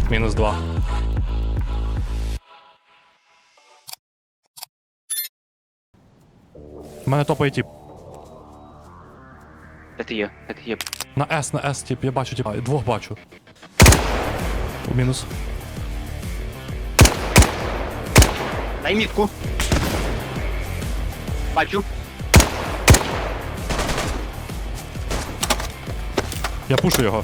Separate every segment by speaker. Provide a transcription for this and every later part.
Speaker 1: Мінус 2. У мене топає тип.
Speaker 2: Де ти є? Де ти є?
Speaker 1: На С, тип, я бачу, типа, двох бачу. Мінус.
Speaker 2: Дай мітку. Бачу.
Speaker 1: Я пушу його.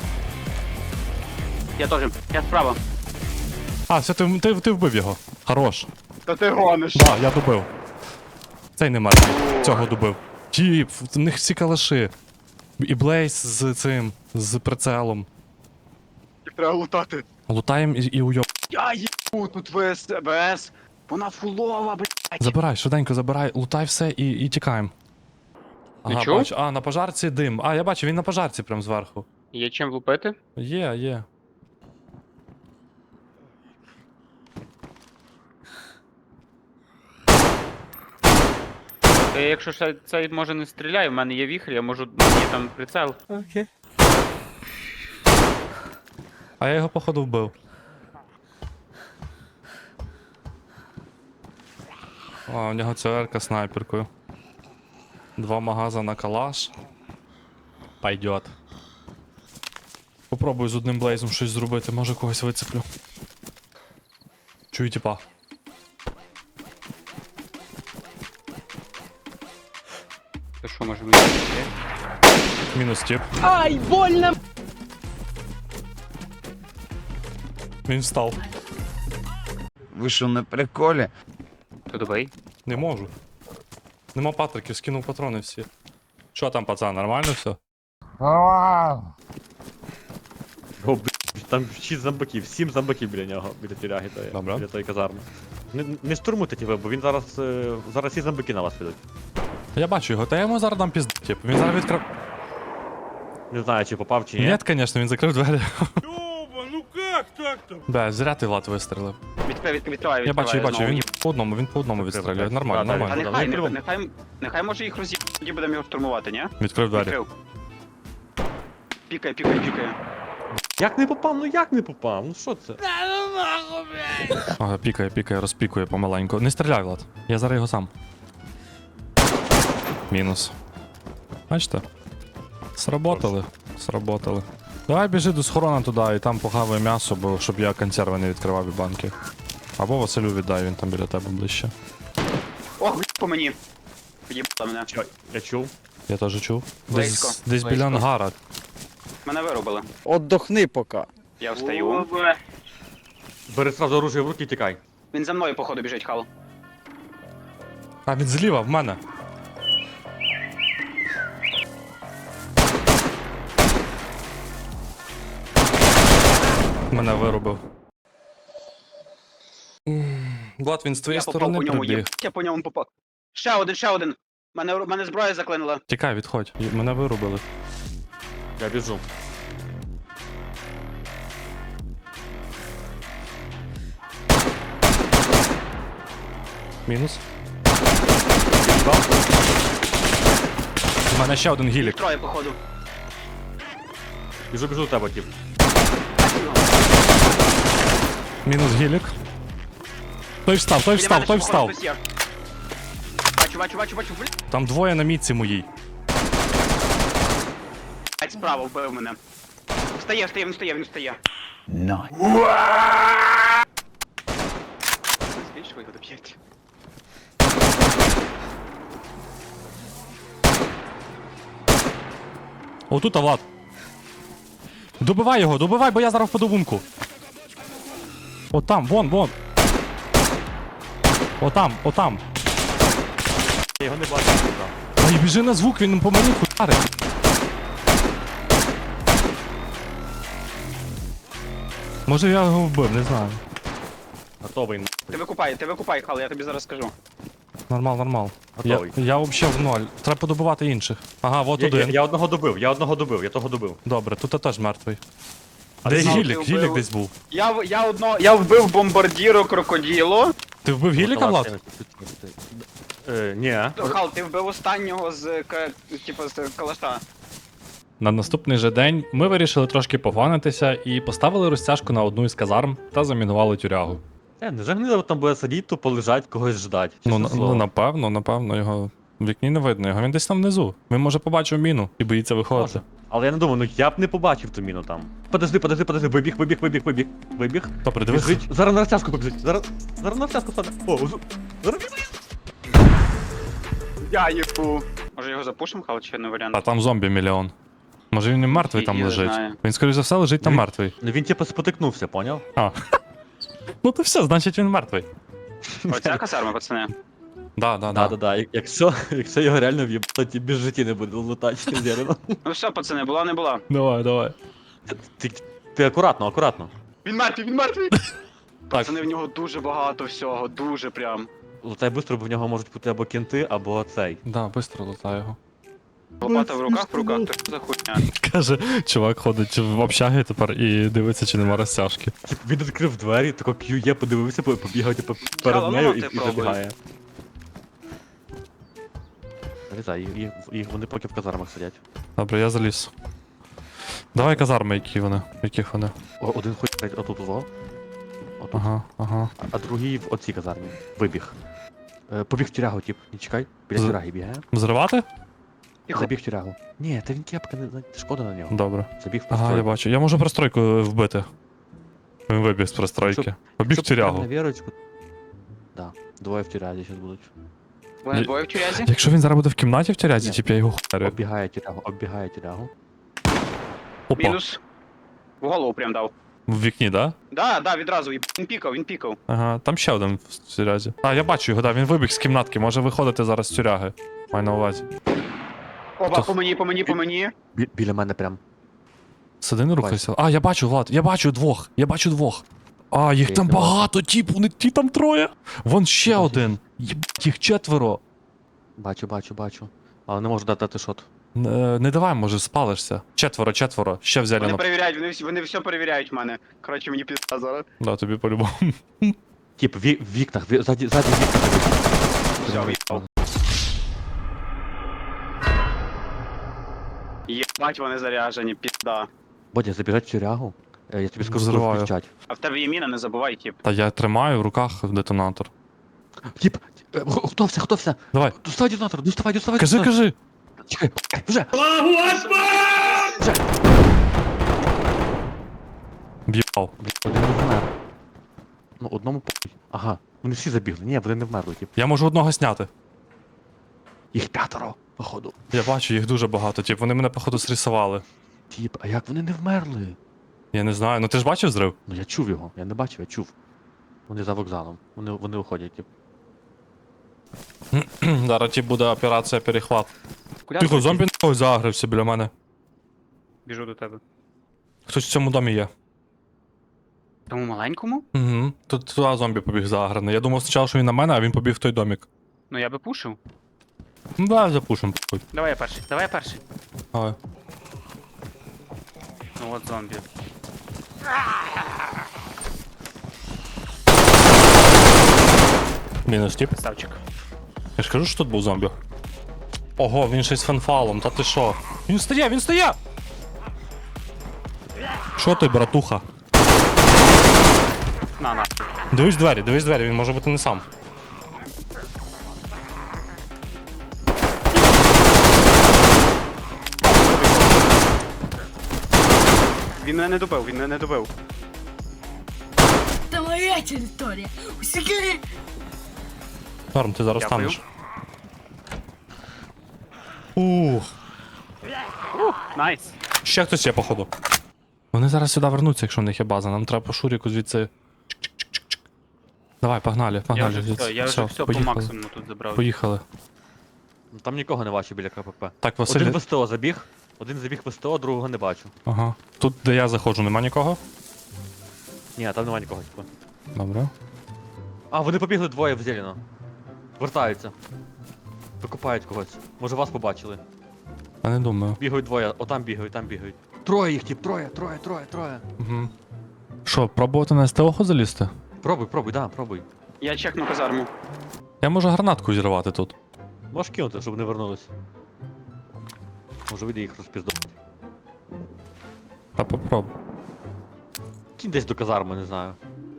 Speaker 2: Я теж. Я справа.
Speaker 1: А, все, ти вбив його. Хорош.
Speaker 2: Та ти гониш.
Speaker 1: Да, я добив. Цей не мертвий. Цього добив. Тіп, в них всі калаши. І Блейз з цим, з прицелом.
Speaker 2: Їх треба лутати.
Speaker 1: Лутаєм і уйоб.
Speaker 2: Я їбу, тут ВС. Вона фулова, блядь.
Speaker 1: Забирай, швиденько забирай, лутай все і тікаємо. Ага,
Speaker 2: чув?
Speaker 1: бачу. А, на пожарці дим. А, я бачу, він на пожарці прям зверху.
Speaker 2: Є чим лупити?
Speaker 1: Є.
Speaker 2: Якщо ще цей може не стріляє, в мене є віхрі, я можу, є там прицел.
Speaker 1: Окей. А я його походу вбив. А, у нього ЦР-ка снайперкою. 2 магаза на калаш. Пойдет. Попробую з одним блейзом щось зробити, може когось вицеплю. Чую типа.
Speaker 2: То що, може вийти?
Speaker 1: Мінус тип.
Speaker 2: Ай, больно!
Speaker 1: Він встав.
Speaker 3: Ви що, на приколі?
Speaker 2: То добий.
Speaker 1: Не можу. Нема патриків, скинув патрони всі. Що там, пацан, нормально все?
Speaker 4: О, блядь, там 6 зомбаків, 7 зомбаків біля нього, біля тюряги тої,
Speaker 1: Добре.
Speaker 4: біля тої казарми. Не штурмуйте тебе, бо він зараз, зараз всі зомбаки на вас підуть.
Speaker 1: Я бачу його, та я йому зараз дам пізд, тип. Він зараз відкрив.
Speaker 4: Не знаю, чи попав, чи ні.
Speaker 1: Ні, звісно, він закрив двері.
Speaker 5: Ёба, ну как так-то?
Speaker 1: Бе, зря ти Влад вистрелив.
Speaker 2: Відкриваю.
Speaker 1: Я бачу, він по одному відстрілює.
Speaker 4: Закрив,
Speaker 1: Нормально,
Speaker 4: так.
Speaker 2: А
Speaker 1: нормально.
Speaker 2: нехай може їх роз'їбати, тоді будемо його штурмувати, ні?
Speaker 1: Відкрив двері.
Speaker 2: Відкрив. Пікає.
Speaker 4: Як не попав? Ну як не попав? Ну що це?
Speaker 1: Ага, пікає, розпікує помаленьку. Не стріляй, Влад. Я зараз його сам. Мінус. Бачите? Сработали. Давай біжи до схорона туди і там похавай м'ясо, бо щоб я консерви не відкривав і банки. Або Василю віддай, він там біля тебе ближче.
Speaker 2: Ох, по мені. Під'їбала мене.
Speaker 4: Що? Я чув.
Speaker 1: Я теж чув.
Speaker 2: Близько,
Speaker 1: Десь біля
Speaker 2: близько.
Speaker 1: ангара.
Speaker 2: Мене вирубили.
Speaker 6: Отдохни пока.
Speaker 2: Я встаю.
Speaker 4: Бери сразу оружие в руки і тікай.
Speaker 2: Він за мною, походу, біжить, хал.
Speaker 1: А він зліва в мене. Мене вирубив. Влад, він з твоєї
Speaker 2: Я попав
Speaker 1: сторони
Speaker 2: по ньому,
Speaker 1: прибіг.
Speaker 2: я по ньому попав. Ще один. Мене зброя заклинила.
Speaker 1: Тікай, відходь. Мене вирубили.
Speaker 4: Я біжу.
Speaker 1: Мінус. У мене ще один гілік.
Speaker 2: Троє, походу.
Speaker 4: Біжу до тебе, тип.
Speaker 1: Мінус гілік. Той встав.
Speaker 2: Біля мене ще, походу, хтось є. Бачу, блядь,
Speaker 1: Там двоє на мітці моїй.
Speaker 2: справа вбив мене. Він встає. Збільш ви його доб'єте.
Speaker 1: Отут, Влад. Добивай його, бо я зараз впаду в умку. От там, вон. Отам.
Speaker 4: Я його не бачу. туди.
Speaker 1: Ай, біжи на звук, він по мені хуярить. Може я його вбив, не знаю.
Speaker 4: Готовий.
Speaker 2: Ти викупай, хал, я тобі зараз скажу.
Speaker 1: Нормал.
Speaker 4: Готовий.
Speaker 1: Я взагалі в ноль. Треба подобувати інших. Ага, от один.
Speaker 4: Я одного добив, я того добив.
Speaker 1: Добре, тут теж мертвий.
Speaker 4: А
Speaker 1: Де
Speaker 4: ти знав,
Speaker 1: гілік?
Speaker 2: ти
Speaker 1: Гілік
Speaker 2: вбив?
Speaker 1: десь був.
Speaker 2: Я вбив бомбардіру крокоділо.
Speaker 1: Ти вбив гіліка, Влад?
Speaker 4: Ні.
Speaker 2: Хал, ти вбив останнього з калаша.
Speaker 1: На наступний же день ми вирішили трошки пофанитися і поставили розтяжку на одну із казарм та замінували тюрягу.
Speaker 4: Не загнило там буде сидіти, тупо лежать, когось ждать. Чесне слово.
Speaker 1: Напевно, його в вікні не видно. Його він десь там внизу. Він може побачив міну і боїться виходити.
Speaker 4: Може. Але я не думаю, ну я б не побачив ту міну там. Подожди, вибіг.
Speaker 1: Добре, дивись.
Speaker 4: Біжить. Зараз на розтяжку побіжить. Зараз на розтяжку стане. Зараз
Speaker 2: Я їбу. Може його запушимо, але чи не варіант?
Speaker 1: А там зомбі мільйон. Може він не мертвий там
Speaker 2: Я
Speaker 1: лежить.
Speaker 2: знаю.
Speaker 1: Він, скоріш за все, лежить там
Speaker 4: Він-
Speaker 1: мертвий.
Speaker 4: Ну він типу спотикнувся, поняв?
Speaker 1: А. Ну то все, значить він мертвий.
Speaker 2: Оця казарма, пацани.
Speaker 1: Да.
Speaker 4: Да. Якщо його реально в'єб, то ті без житті не буде лутати зелено.
Speaker 2: Ну все, пацани, була не була.
Speaker 1: Давай.
Speaker 4: Ти акуратно.
Speaker 2: Він мертвий! Пацани, в нього дуже багато всього, дуже прям.
Speaker 4: Лутай быстро, бо в нього можуть бути або кінти, або цей.
Speaker 1: Да, быстро лутай його.
Speaker 2: Лопата в руках, то що за хуйня?
Speaker 1: Каже, чувак ходить в общагі тепер і дивиться, чи нема розтяжки.
Speaker 4: Він відкрив двері, тако QE, подивився, побігав типу перед
Speaker 2: Але
Speaker 4: нею
Speaker 2: ну,
Speaker 4: і
Speaker 2: ти пробуй.
Speaker 4: забігає. Залізай, вони поки в казармах сидять.
Speaker 1: Добре, я заліз. Давай казарми, яких вони.
Speaker 4: Один ходить отут во. Отут.
Speaker 1: Ага.
Speaker 4: А другий в оцій казармі. Вибіг. Побіг в тюрягу, тип. Не чекай. Біля
Speaker 1: З-
Speaker 4: тюряги бігає.
Speaker 1: Взривати?
Speaker 2: Тихо.
Speaker 4: Забіг в тюрягу. Ні, та він кепка, шкода на нього.
Speaker 1: Добре.
Speaker 4: Забіг в
Speaker 1: Ага, я
Speaker 4: постройку.
Speaker 1: бачу. Я можу пристройку вбити. Він вибіг з пристройки.
Speaker 4: Щоб-
Speaker 1: Побіг в
Speaker 4: Щоб прямо
Speaker 1: тюрягу.
Speaker 4: на вірочку. Да. Двоє в тюрязі зараз будуть.
Speaker 2: Вони двоє в тюрязі?
Speaker 1: Якщо він зараз буде в кімнаті в тюрязі,
Speaker 4: Ні.
Speaker 1: тип я його хуярю.
Speaker 4: Оббігає тюрягу.
Speaker 1: Опа.
Speaker 2: Мінус. В голову прям дав.
Speaker 1: В вікні, да?
Speaker 2: Да, відразу, він пікав.
Speaker 1: Ага, там ще один в тюрязі. А, я бачу його, да, він вибіг з кімнатки, може виходити зараз з тюряги. Маю на увазі.
Speaker 2: Опа,
Speaker 1: Хто?
Speaker 2: по мені.
Speaker 4: Біля мене прям.
Speaker 1: Сиди, не рухайся. А, я бачу, Влад, я бачу двох. А, їх
Speaker 4: Я
Speaker 1: там
Speaker 4: їх не бачу.
Speaker 1: багато, тіп, вони ті там троє. Вон ще
Speaker 4: Бачу.
Speaker 1: один. Єбать, їх четверо.
Speaker 4: Бачу. Але не можу дати шот.
Speaker 1: Не давай, може, спалишся. Четверо, ще взяли
Speaker 2: Вони
Speaker 1: на...
Speaker 2: перевіряють, вони все перевіряють в мене. Коротше, мені пізда зараз.
Speaker 1: Да, тобі по-любому.
Speaker 4: Тип, в вікнах, ззаді вікна.
Speaker 2: Все, в'їбав. Єбать, вони заряжені, пізда.
Speaker 4: Бодя, забігать в тюрягу. Я тобі скажу, коли
Speaker 1: Взриваю.
Speaker 4: включать.
Speaker 2: А в тебе є міна, не забувай, тип.
Speaker 1: Та я тримаю в руках детонатор.
Speaker 4: Тип, готовся.
Speaker 1: Давай,
Speaker 4: Доставай детонатор, доставай.
Speaker 1: кажи.
Speaker 4: Чекай, вже.
Speaker 1: В'їбав.
Speaker 4: Один не вмер. Ну, одному похуй. Ага, вони всі забігли. Ні, вони не вмерли, тип.
Speaker 1: Я можу одного зняти.
Speaker 4: Їх 5, походу.
Speaker 1: Я бачу, їх дуже багато, тіп. Вони мене, походу, срисували.
Speaker 4: Тип, а як вони не вмерли?
Speaker 1: Я не знаю. Ну ти ж бачив зрив?
Speaker 4: Ну я чув його, я не бачив, я чув. Вони за вокзалом. Вони уходять, тип.
Speaker 1: Зараз тіп буде операція перехват.
Speaker 2: Куди
Speaker 1: Тихо,
Speaker 2: ти?
Speaker 1: зомбі нахуй загрився біля мене.
Speaker 2: Біжу до тебе.
Speaker 1: Хтось в цьому домі є.
Speaker 2: Тому маленькому?
Speaker 1: Угу. Тут туди зомбі побіг заграний. Я думав спочатку, що він на мене, а він побіг в той домік.
Speaker 2: Ну я би пушив.
Speaker 1: Ну давай запушим. похуй.
Speaker 2: Давай я перший.
Speaker 1: Давай.
Speaker 2: Ну от зомбі.
Speaker 1: Мінус тіп.
Speaker 2: Красавчик.
Speaker 1: Я ж кажу, що тут був зомбі. Ого, він ще й з фенфалом, та ти що? Він стає! Що ти, братуха?
Speaker 2: На.
Speaker 1: Дивись двері, він може бути не сам.
Speaker 2: Він мене не добив.
Speaker 6: Это моя территория. Усекли.
Speaker 1: Норм, ти зараз
Speaker 2: Дякую.
Speaker 1: станеш. Ух,
Speaker 2: Найс.
Speaker 1: ще хтось є, походу. Вони зараз сюди вернуться, якщо в них є база. Нам треба по шуріку звідси. Чик-чик-чик-чик. Давай, погнали.
Speaker 2: Я вже все по максимуму тут забрав.
Speaker 1: Поїхали.
Speaker 4: Ну, там нікого не бачу біля КПП.
Speaker 1: Так, Василь.
Speaker 4: Один в СТО забіг. Один забіг в СТО, другого не бачу.
Speaker 1: Ага. Тут, де я заходжу, нема нікого?
Speaker 4: Ні, там нема нікого, типу.
Speaker 1: Добре.
Speaker 4: А, вони побігли двоє в зелено. Вертаються. Викупають когось. Може вас побачили.
Speaker 1: Я не думаю.
Speaker 4: Бігають двоє, отам бігають, там бігають. Троє їх, тип, троє.
Speaker 1: Угу. Що, пробувати на СТО залізти?
Speaker 4: Пробуй, пробуй.
Speaker 2: Я чекну казарму.
Speaker 1: Я можу гранатку зірвати тут.
Speaker 4: Можеш кинути, щоб не вернулись. Може вийде їх розпіздувати.
Speaker 1: Та попробуй.
Speaker 4: Кінь десь до казарми, не знаю.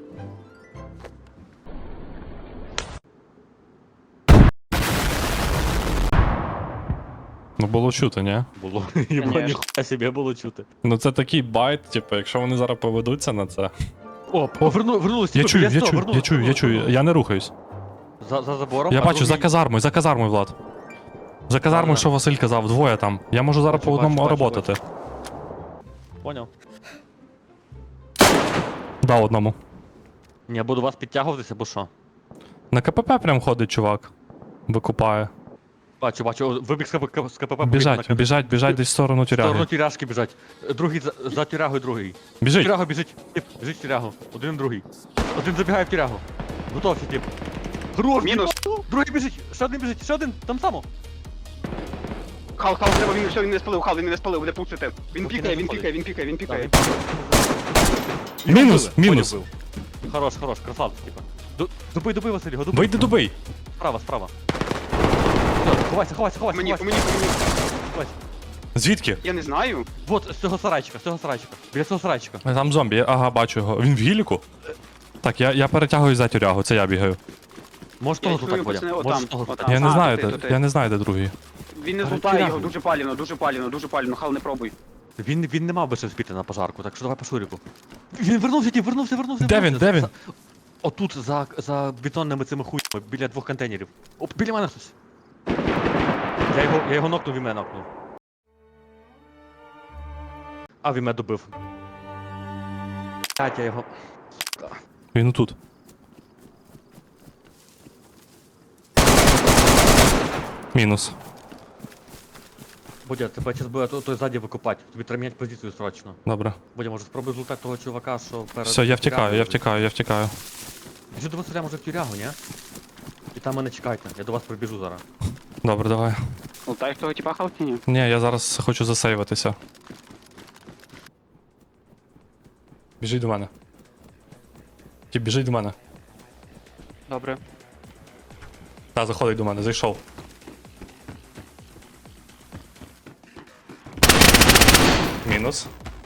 Speaker 1: Ну було чути, ні?
Speaker 4: Було. Єбо,
Speaker 2: Конечно.
Speaker 4: ніхуя собі було чути.
Speaker 1: Ну це такий байт, типу, якщо вони зараз поведуться на це.
Speaker 4: О, вернулись.
Speaker 1: Я
Speaker 4: типу,
Speaker 1: чую,
Speaker 4: біля
Speaker 1: я
Speaker 4: стого,
Speaker 1: чую, я чую, я чую, я не рухаюсь.
Speaker 4: За забором.
Speaker 1: Я
Speaker 4: а
Speaker 1: бачу,
Speaker 4: другий-
Speaker 1: за казармою, Влад. За казармою,
Speaker 4: Ладно.
Speaker 1: що Василь казав, двоє там. Я можу зараз
Speaker 4: Бачу,
Speaker 1: по одному
Speaker 4: бачу,
Speaker 1: роботати.
Speaker 4: Поняв.
Speaker 1: Да, одному.
Speaker 4: Ні, я буду вас підтягуватися, або що?
Speaker 1: На КПП прям ходить чувак. Викупає.
Speaker 4: Бачу, о, вибіг з КПП. побіг
Speaker 1: Біжать,
Speaker 4: на
Speaker 1: біжать, біжать десь в сторону
Speaker 4: В сторону
Speaker 1: тюряги.
Speaker 4: тюряшки біжать. Другий за тюрягою другий.
Speaker 1: Біжить!
Speaker 4: Тюрягу біжить. Тип, біжить в тюрягу. Один другий. Один забігає в тюрягу. Готовся, тип. Хорош,
Speaker 2: Мінус.
Speaker 4: другий біжить. Ще один, там само.
Speaker 2: Хал, треба, він все, він не спалив, хал, він не спалив, буде пушити. Він
Speaker 4: Поки
Speaker 2: пікає,
Speaker 4: не
Speaker 2: він
Speaker 4: заходить.
Speaker 2: пікає, він пікає, він пікає.
Speaker 1: Мінус,
Speaker 4: Поняв,
Speaker 1: мінус.
Speaker 4: бив. Хорош, красавчик, типа. Добий, Василь, його добий.
Speaker 1: Вийди, добий.
Speaker 4: Справа. Все, ховайся.
Speaker 2: По мені.
Speaker 4: Ховайся.
Speaker 1: Звідки?
Speaker 2: Я не знаю.
Speaker 4: Вот, з цього сарайчика. Біля цього сарайчика.
Speaker 1: Там зомбі, ага, бачу його. Він в гіліку? Так, я перетягую за тюрягу, це я бігаю.
Speaker 4: Можеш
Speaker 2: Я
Speaker 4: того
Speaker 2: чую,
Speaker 4: злутати,
Speaker 2: пацани,
Speaker 4: Бодя?
Speaker 2: отам,
Speaker 4: Можеш того
Speaker 2: отам.
Speaker 4: злутати?
Speaker 1: Я не
Speaker 2: А,
Speaker 1: знаю,
Speaker 2: то ти,
Speaker 1: де,
Speaker 2: то ти.
Speaker 1: я не знаю, де другий.
Speaker 2: Він не
Speaker 4: Перед
Speaker 2: злутає його,
Speaker 4: тюрягою.
Speaker 2: дуже паліно, хал не пробуй.
Speaker 4: Він не мав би ще вспіти на пожарку, так що давай по шуріку. Він вернувся.
Speaker 1: Де він, де він?
Speaker 4: Отут, за бетонними цими хуйнями, біля 2 контейнерів. О, біля мене хтось. Я його нокнув, він мене нокнув. А, він мене добив. Блять, я його...
Speaker 1: Він отут. Мінус.
Speaker 4: Бодя, тебе зараз буде той ззаді викопати. Тобі треба міняти позицію срочно.
Speaker 1: Добре.
Speaker 4: Бодя, може спробуй злутати того чувака, що перед...
Speaker 1: Все, я
Speaker 4: тюрягою.
Speaker 1: втікаю.
Speaker 4: Біжи до Василя, може в тюрягу, ні? І там мене чекайте, я до вас прибіжу зараз.
Speaker 1: Добре, давай.
Speaker 2: Лутаєш того типа хал чи ні?
Speaker 1: Ні, я зараз хочу засейватися. Біжіть до мене. Тіп, біжить до мене.
Speaker 2: Добре.
Speaker 1: Та, заходить до мене, зайшов. Мінус.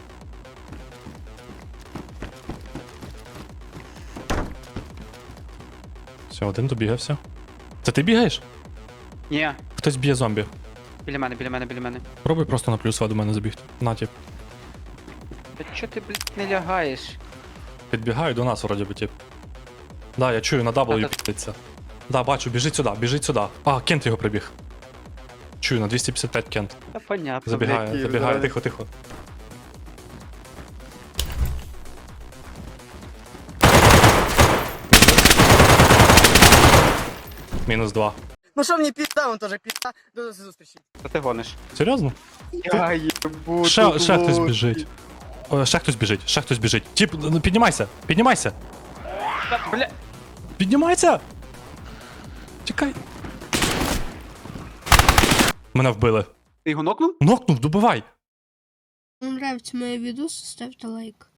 Speaker 1: Все, один добігався. Це ти бігаєш?
Speaker 2: Ні,
Speaker 1: Хтось б'є зомбі.
Speaker 2: біля мене.
Speaker 1: Пробуй просто на плюс до мене забігти. На, тіп.
Speaker 2: Та чо ти, блядь, не лягаєш?
Speaker 1: Підбігаю до нас, вроді би, тіп. Да, я чую, на W
Speaker 2: та-
Speaker 1: підеться. Да, бачу, біжить сюди. А, Кент його прибіг. Чую, на 255 Кент.
Speaker 2: Та понятно,
Speaker 1: Забігає, тихо. Мінус 2.
Speaker 7: Ну що мені пізда, он теж пізда. До зустрічі.
Speaker 2: Що ти гониш?
Speaker 1: Серйозно?
Speaker 2: Я їбу,
Speaker 1: Ще хтось біжить. Ще хтось біжить. Тіп, ну, піднімайся!
Speaker 2: Бля,
Speaker 1: Піднімайся! Чекай. Мене вбили.
Speaker 2: ти його нокнув?
Speaker 1: Нокнув, добивай!
Speaker 6: Вам нравится мои видосы, ставьте лайк.